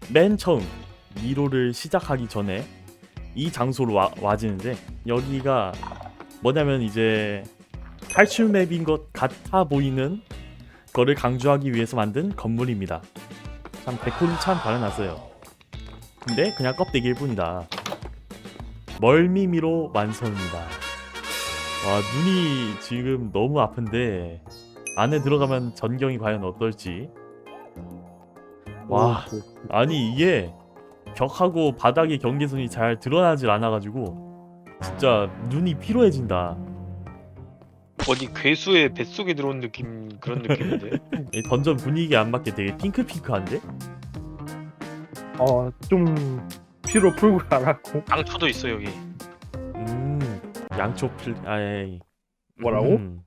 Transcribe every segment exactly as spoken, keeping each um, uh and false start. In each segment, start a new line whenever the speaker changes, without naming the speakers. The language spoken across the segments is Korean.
맨 처음 미로를 시작하기 전에 이 장소로 와, 와지는데 여기가 뭐냐면 이제 탈출 맵인 것 같아 보이는 거를 강조하기 위해서 만든 건물입니다. 참 데코는 참 발라놨어요. 근데 그냥 껍데기일 뿐이다. 멀미미로 완성입니다. 와, 눈이 지금 너무 아픈데 안에 들어가면 전경이 과연 어떨지. 와, 아니 이게 벽하고 바닥의 경계선이 잘 드러나질 않아가지고 진짜 눈이 피로해진다.
어디 괴수의 뱃속에 들어온 느낌 그런 느낌인데.
이 던전 분위기에 안 맞게 되게 핑크핑크한데?
어, 좀 피로 풀고 가라고.
당초도 있어 여기.
음, 양초 플... 아이
뭐라고?
음.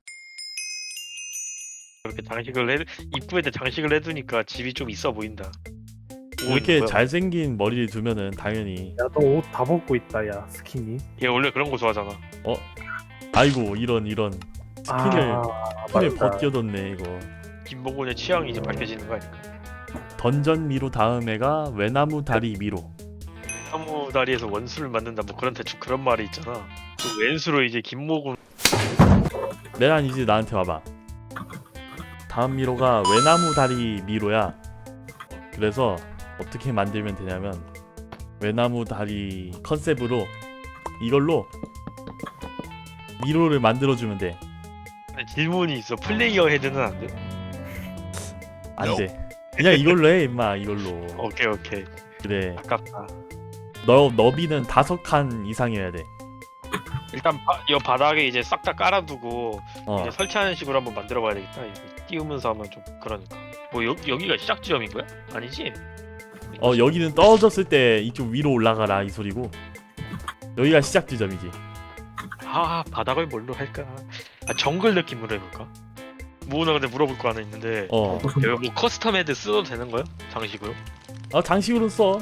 이렇게 장식을 해 입구에다 장식을 해두니까 집이 좀 있어 보인다.
이렇게
뭐야?
잘생긴 머리를 두면은 당연히
야, 너 옷 다 벗고 있다, 야, 스키니.
얘 원래 그런 거 좋아하잖아.
아이고 이런 이런 스킨을
아,
스킨을
맞다.
벗겨뒀네 이거.
김봉곤의 취향이 이제 밝혀지는 거 아닐까?
던전 미로 다음 애가 외나무 다리 미로.
나무 다리에서 원수를 만든다 뭐 그런 대충 그런 말이 있잖아. 그 왼수로 이제 김모군.
메란 이제 나한테 와봐. 다음 미로가 외나무 다리 미로야. 그래서 어떻게 만들면 되냐면 외나무 다리 컨셉으로 이걸로 미로를 만들어주면 돼.
근데 질문이 있어. 플레이어 헤드는 안 돼?
안 돼. 그냥 이걸로 해 임마 이걸로.
오케이 오케이.
그래.
아깝다.
너 너비는 다섯 칸 이상이어야 돼.
일단 바, 이 바닥에 이제 싹 다 깔아두고
어.
이제 설치하는 식으로 한번 만들어봐야 되겠다. 이거 띄우면서 하면 좀 그러니까. 뭐 여, 여기가 시작 지점인 거야? 아니지?
어 여기는 떨어졌을 때 이쪽 위로 올라가라 이 소리고 여기가 시작 지점이지.
아 바닥을 뭘로 할까? 아 정글 느낌으로 해볼까? 무은아 근데 물어볼 거 하나 있는데
어.
여기 뭐 커스텀 헤드 써도 되는 거야? 장식으로?
어 장식으로 써.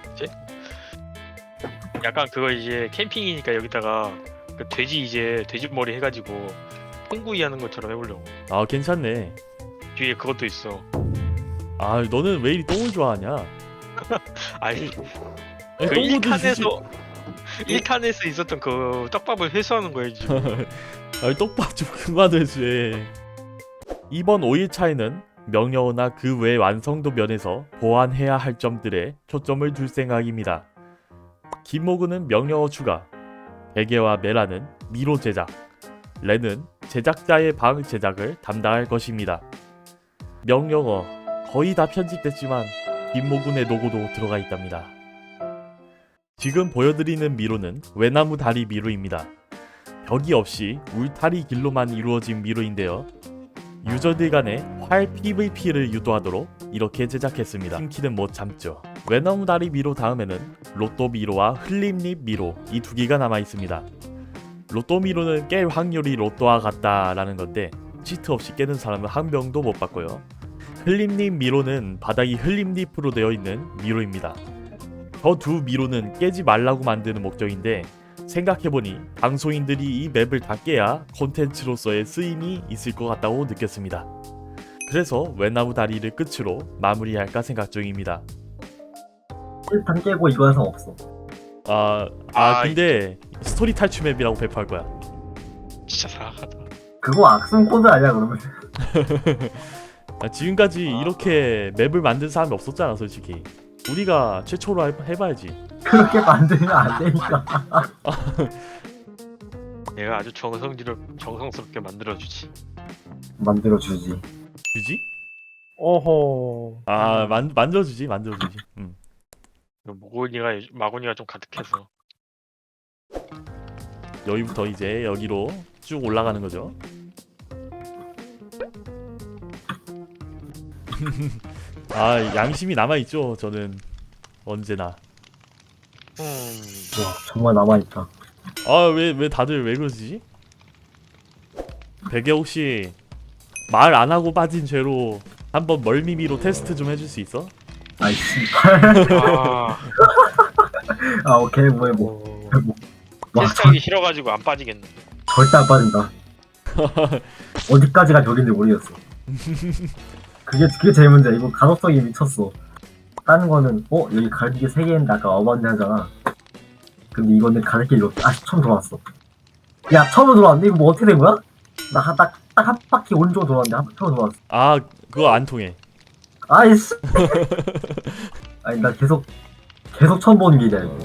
약간 그거 이제 캠핑이니까 여기다가 그 돼지 이제 돼지 머리 해가지고 콩구이 하는 것처럼 해보려고.
아 괜찮네.
뒤에 그것도 있어.
아 너는 왜 이리 똥을 좋아하냐?
아니
아니,
그
똥도
일 칸에서 일 칸에서 있었던 그 떡밥을 회수하는 거야 지금.
아니 떡밥 좀 그만 해주해. 이번 오 일차에는 명령어나 그 외 완성도 면에서 보완해야 할 점들에 초점을 둘 생각입니다. 김모근은 명령어 추가, 베개와 메라는 미로 제작, 레는 제작자의 방 제작을 담당할 것입니다. 명령어 거의 다 편집됐지만 김모근의 로고도 들어가 있답니다. 지금 보여드리는 미로는 외나무 다리 미로입니다. 벽이 없이 울타리 길로만 이루어진 미로인데요. 유저들 간의 활 피브이피를 유도하도록 이렇게 제작했습니다. 팀키는 못 참죠. 외나무 다리 미로 다음에는 로또 미로와 흘림잎 미로 이 두 개가 남아 있습니다. 로또 미로는 깰 확률이 로또와 같다라는 건데 치트 없이 깨는 사람은 한 명도 못 봤고요. 흘림잎 미로는 바닥이 흘림잎으로 되어 있는 미로입니다. 저 두 미로는 깨지 말라고 만드는 목적인데 생각해보니 방송인들이 이 맵을 다 깨야 콘텐츠로서의 쓰임이 있을 것 같다고 느꼈습니다. 그래서 외나무 다리를 끝으로 마무리할까 생각 중입니다.
일 판 깨고 이거 영상 없어.
아, 아
아,
근데 스토리 탈출 맵이라고 배포할 거야.
진짜 사악하다.
그거 악성 코드 아니야 그러면?
아, 지금까지
아.
이렇게 맵을 만든 사람이 없었잖아 솔직히. 우리가 최초로 해, 해봐야지.
그렇게 만들면 안 되니까.
내가 아주 정성지로 정성스럽게 만들어주지.
만들어주지.
주지?
어허.
아 만, 만들어주지 만들어주지. 음.
모곤이가 마곤이가 좀 가득해서.
여기부터 이제 여기로 쭉 올라가는 거죠. 아 양심이 남아있죠 저는 언제나.
음.
와 정말 남아있다.
아 왜 왜 다들 왜 그러지? 베개 혹시 말 안 하고 빠진 죄로 한번 멀미미로 테스트 좀 해줄 수 있어?
아이씨.
아
아 오케이 뭐해 뭐.
어,
와
테스트하기 싫어가지고 안 빠지겠네.
절대 안 빠진다. 어디까지가 벽인지 모르겠어. 그게 그게 제일 문제야. 이거 가독성이 미쳤어. 다른 거는 어 여기 가르치기 세 개인데 아까 어반데 하잖아. 근데 이거는 가르치기 이렇게 아 처음 돌아왔어. 야 처음 돌아왔는데 이거 뭐 어떻게 된 거야? 나딱딱 한 바퀴 오른쪽으로 돌아왔는데 한 처음 돌아왔어.
아 그거 안 통해.
아이씨. 아니 나 계속 계속 처음 보는 길이야 이거.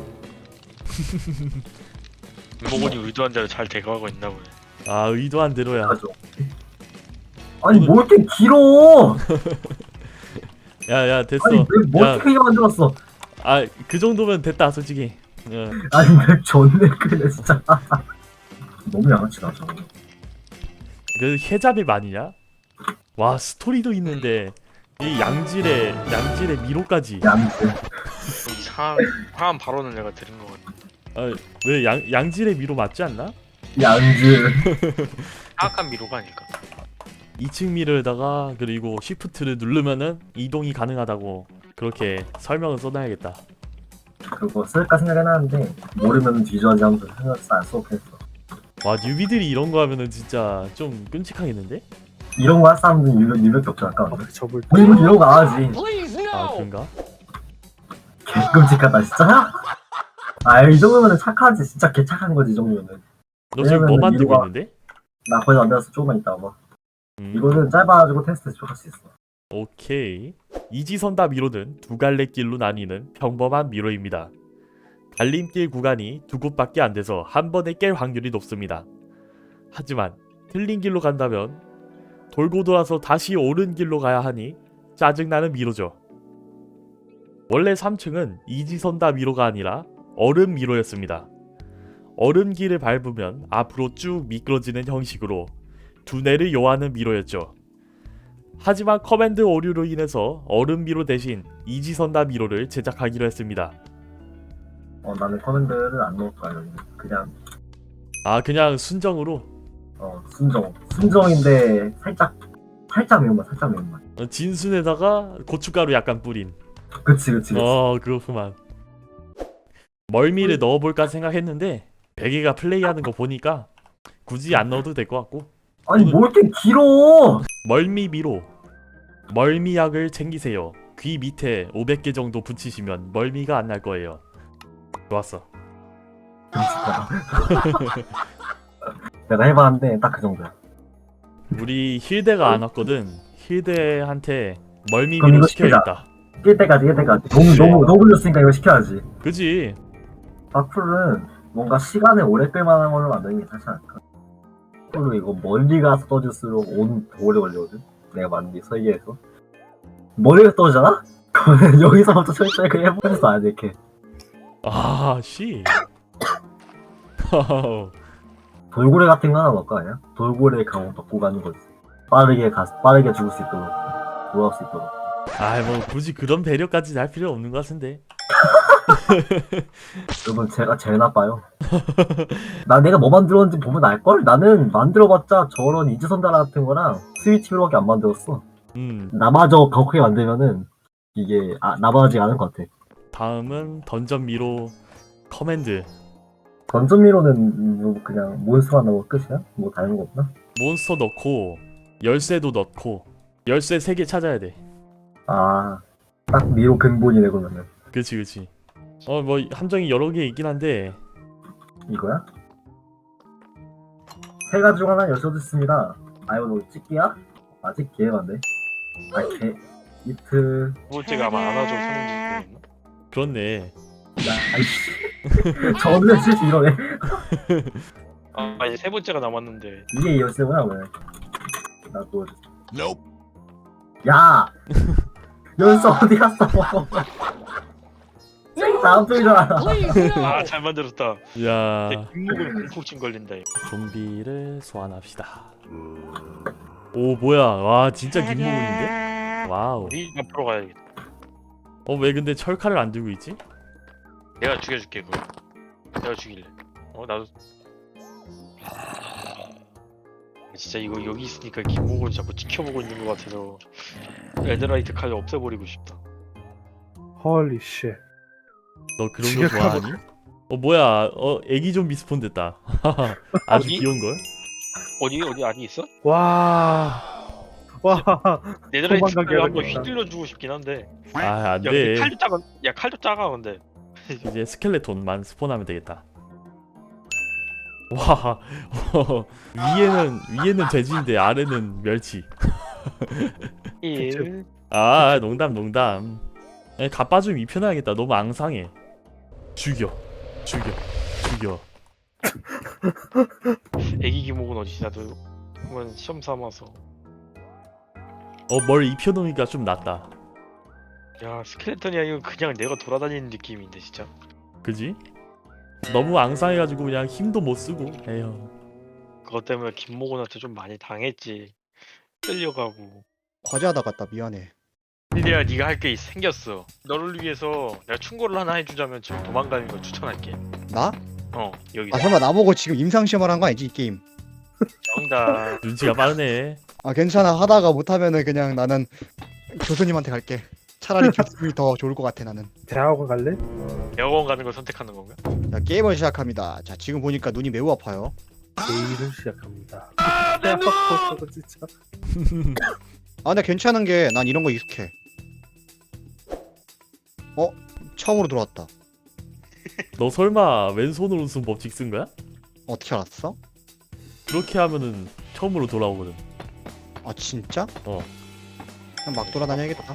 김목원이 의도한 대로 잘 돼가고 있나 보네.
아 의도한 대로야.
맞아. 아니 뭐 이렇게 길어?
야야 됐어.
아니 맵뭐
야,
어떻게 만들었어?
아 그 정도면 됐다 솔직히. 어.
아니 맵 존내 크네 진짜. 너무 양아치다 저거.
그 해잡이 아니냐? 와 스토리도 있는데 이 양질의 양질의 미로까지.
양지.
이상한 이상한 발언을 내가 들은 것 같아.
아왜 양 양질의 미로 맞지 않나?
양지.
사악한 미로가 아닐까.
이 층 미러에다가 그리고 쉬프트를 누르면은 이동이 가능하다고 그렇게 설명을 써놔야겠다.
그거 쓸까 생각해놨는데 모르면 뒤져야지 하면서 생각해서 안 수업했어.
와 뉴비들이 이런 거 하면은 진짜 좀 끔찍하겠는데?
이런 거 할 사람들은 유명 유명이 없잖아. 아까.
아, 접을 때.
우리는 이런 거 안 하지.
아 그런가?
개 끔찍하다 진짜. 아 이 정도면 착하지. 진짜 개 착한 거지 이 정도면.
너 지금 뭐
왜냐면은
만들고
이거가-
있는데?
나 거의 안 되어서 조금만 있다 봐.
음,
이거는 짧아가지고 테스트 좀 할 수 있어.
오케이. 이지선다 미로는 두 갈래 길로 나뉘는 평범한 미로입니다. 달림길 구간이 두 곳밖에 안 돼서 한 번에 깰 확률이 높습니다. 하지만 틀린 길로 간다면 돌고 돌아서 다시 옳은 길로 가야 하니 짜증나는 미로죠. 원래 삼 층은 이지선다 미로가 아니라 얼음 미로였습니다. 얼음 길을 밟으면 앞으로 쭉 미끄러지는 형식으로 두뇌를 요하는 미로였죠. 하지만 커맨드 오류로 인해서 얼음 미로 대신 이지선다 미로를 제작하기로 했습니다.
어 나는 커맨드를 안 넣을 거야 여기. 그냥
아 그냥 순정으로
어 순정. 순정인데 살짝 살짝 매운맛 살짝 매운맛.
어, 진순에다가 고춧가루 약간 뿌린.
그치 그치 그치.
어 그렇구만. 멀미를 넣어볼까 생각했는데 베개가 플레이하는 거 보니까 굳이 안 넣어도 될 것 같고.
아니 뭐 이렇게 길어?
멀미 미로. 멀미약을 챙기세요. 귀 밑에 오백 개 정도 붙이시면 멀미가 안 날 거예요. 좋았어.
내가 해봤는데 딱 그 정도야.
우리 힐대가 안 왔거든. 힐대한테 멀미
그럼
미로
이거 시키자.
시켜야겠다.
낄 때까지 낄 때까지. 너무 너무 너무 걸렸으니까 이거 시켜야지.
그지?
바풀은 뭔가 시간을 오래 끌만한 걸로 만드는 게 사실 않을까. 바풀로 이거 멀리 가서 떠질수록 온 오래 걸리거든. 내가 만든 게 설계해서 멀리가 떠지잖아? 그러면 여기서부터 천천히 그냥 해보면서 안 돼, 이렇게.
아 씨.
돌고래 같은 거 하나 넣을 거 아니야? 돌고래 강호 받고 가는 거지. 빠르게 가 빠르게 죽을 수 있도록 돌아올 수 있도록.
아 뭐 굳이 그런 배려까지 할 필요 없는 것 같은데.
여러분 제가 제일 나빠요. 나 내가 뭐 만들었는지 보면 알걸? 나는 만들어봤자 저런 이지선달 같은 거랑 스위치로밖에 안 만들었어.
음
나마저 가혹하게 만들면은 이게 아, 나바지 않은 것 같아.
다음은 던전 미로 커맨드.
던전미로는 뭐 그냥 몬스터가 나오고 끝이야? 뭐 다른 거 없나?
몬스터 넣고 열쇠도 넣고 열쇠 세 개 찾아야 돼.
아, 딱 미로 근본이네 그러면은.
그치 그치. 어 뭐 함정이 여러 개 있긴 한데
이거야? 세 가지 중 하나 여쭤줬습니다. 아 이거 너 찍기야? 아직 기회만데. 아 개. 이트.
두 번째가 아마 안아줘 성인지 모르겠나?
그렇네.
야, 아이씨. 저는 실수 이러네.
아 이제 세 번째가 남았는데.
이게 열쇠구나 왜? 나 보여줘. 야! 열쇠 어디 갔어? 다음 쪽이잖아.
아 잘 만들었다.
야
내 김목은 공포증 걸린다 이거.
좀비를 소환합시다. 오 뭐야 와 진짜 김무근인데? 와우.
우리 앞으로 가야겠다.
어 왜 근데 철칼을 안 들고 있지?
내가 죽여줄게 그거. 내가 죽일래. 어 나도. 진짜 이거 여기 있으니까 김목을 자꾸 지켜보고 있는 것 같아서 에드라이트 칼을 없애버리고 싶다.
헐리 쉣.
너 그런 거
지각하고.
좋아하니? 어 뭐야 어 애기 좀비 스폰 됐다. 아주
어디?
귀여운 걸?
어디 어디 안이 있어?
와. 와,
네덜란드
도망가게
한번
해야겠다.
휘둘러 주고 싶긴 한데.
아
야, 근데
안돼.
칼도 작아. 야, 칼도 작아 근데.
이제 스켈레톤만 스폰하면 되겠다. 와 위에는 위에는 돼지인데 아래는 멸치.
일.
아 농담 농담. 에, 갑바 좀 입혀놔야겠다. 너무 앙상해. 죽여 죽여 죽여.
애기 기목은 어디지 나도 한번 시험 삼아서.
어 뭘 입혀놓으니까 좀 낫다.
야, 스켈레톤이 아니고 그냥 내가 돌아다니는 느낌인데 진짜.
그지? 너무 앙상해가지고 그냥 힘도 못 쓰고. 에휴.
그것 때문에 김모곤한테 좀 많이 당했지. 끌려가고.
과제하다 갔다 미안해.
근데 네가 할 게 생겼어. 너를 위해서 내가 충고를 하나 해주자면 지금 도망가는 거 추천할게.
나?
어, 여기
아 설마 나보고 지금 임상시험을 한 거 아니지 이 게임?
정답.
눈치가 빠르네.
아 괜찮아 하다가 못하면은 그냥 나는 교수님한테 갈게. 차라리 교수님이 더 좋을 것 같아 나는.
대학원 갈래?
대학원 가는 걸 선택하는 건가?
자 게임을 시작합니다. 자 지금 보니까 눈이 매우 아파요.
내일을 시작합니다. 대학원 진짜.
아 근데 괜찮은 게 난 이런 거 익숙해. 어? 처음으로 들어왔다.
너 설마 왼손으로 쓴 법칙 쓴 거야?
어떻게 알았어?
그렇게 하면은 처음으로 돌아오거든.
아 진짜?
어.
그냥 막 돌아다녀야겠다.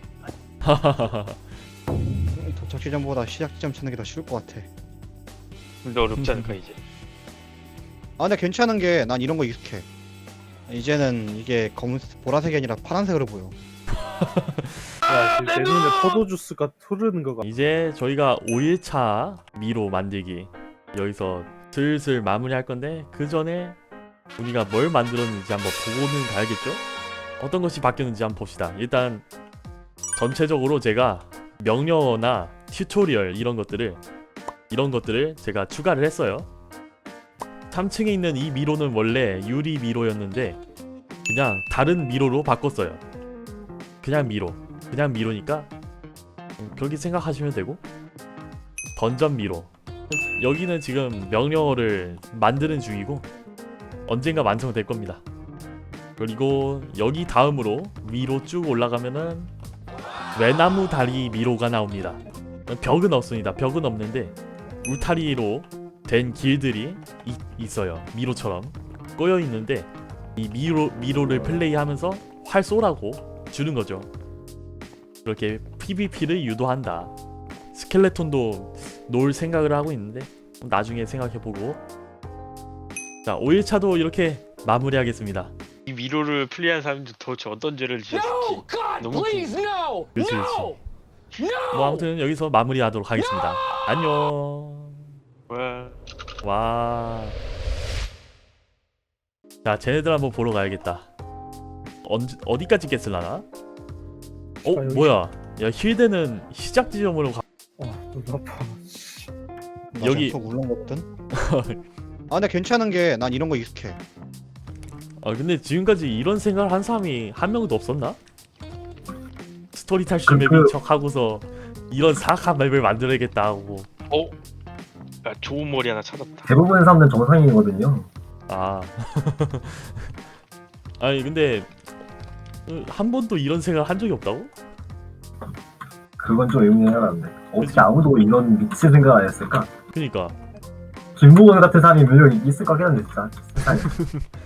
도착 지점보다 시작 지점 찾는 게 더 쉬울 것 같아.
근데 어렵지 않을까 이제?
아 근데 괜찮은 게 난 이런 거 익숙해. 이제는 이게 검은 보라색이 아니라 파란색으로 보여.
야, 지금 내 눈에 포도 주스가 흐르는 거 같아.
이제 저희가 오 일차 미로 만들기 여기서 슬슬 마무리할 건데 그 전에 우리가 뭘 만들었는지 한번 보고는 가야겠죠? 어떤 것이 바뀌었는지 한번 봅시다. 일단 전체적으로 제가 명령어나 튜토리얼 이런 것들을 이런 것들을 제가 추가를 했어요. 삼 층에 있는 이 미로는 원래 유리 미로였는데 그냥 다른 미로로 바꿨어요. 그냥 미로 그냥 미로니까 그렇게 생각하시면 되고, 던전 미로 여기는 지금 명령어를 만드는 중이고 언젠가 완성될 겁니다. 그리고 여기 다음으로 위로 쭉 올라가면은 외나무 다리 미로가 나옵니다. 벽은 없습니다. 벽은 없는데 울타리로 된 길들이 이, 있어요. 미로처럼 꼬여 있는데 이 미로 미로를 플레이하면서 활 쏘라고 주는 거죠. 그렇게 피브이피를 유도한다. 스켈레톤도 놓을 생각을 하고 있는데 나중에 생각해보고. 자, 오 일차도 이렇게 마무리하겠습니다.
이 미로를 플레이한 사람들 도대체 어떤 죄를 지었을지 너무 궁금해.
그렇지 그렇지. 뭐 아무튼 여기서 마무리하도록 하겠습니다. 안녕.
와.
와. 자, 쟤네들 한번 보러 가야겠다. 언제 어디까지 깼을라나? 어,
여기-
뭐야? 야, 힐대는 시작 지점으로 가.
어, 눈 아파.
여기-
속 울렁거든. 아 근데 괜찮은 게 난 이런 거 익숙해.
아, 근데 지금까지 이런 생각을 한 사람이 한 명도 없었나? 스토리 탈출
그-
맵인
그-
척 하고서 이런 사악한 맵을 만들어야겠다 하고.
어? 야, 좋은 머리 하나 찾았다.
대부분의 사람들은 정상인이거든요.
아. 아니 근데 어, 한 번도 이런 생각을 한 적이 없다고?
그건 좀 의문이 하나인데 어떻게
그치?
아무도 이런 미친 생각 안 했을까?
그니까
김부건 같은 사람이 분명히 있을 거긴 한데 진짜 세상에.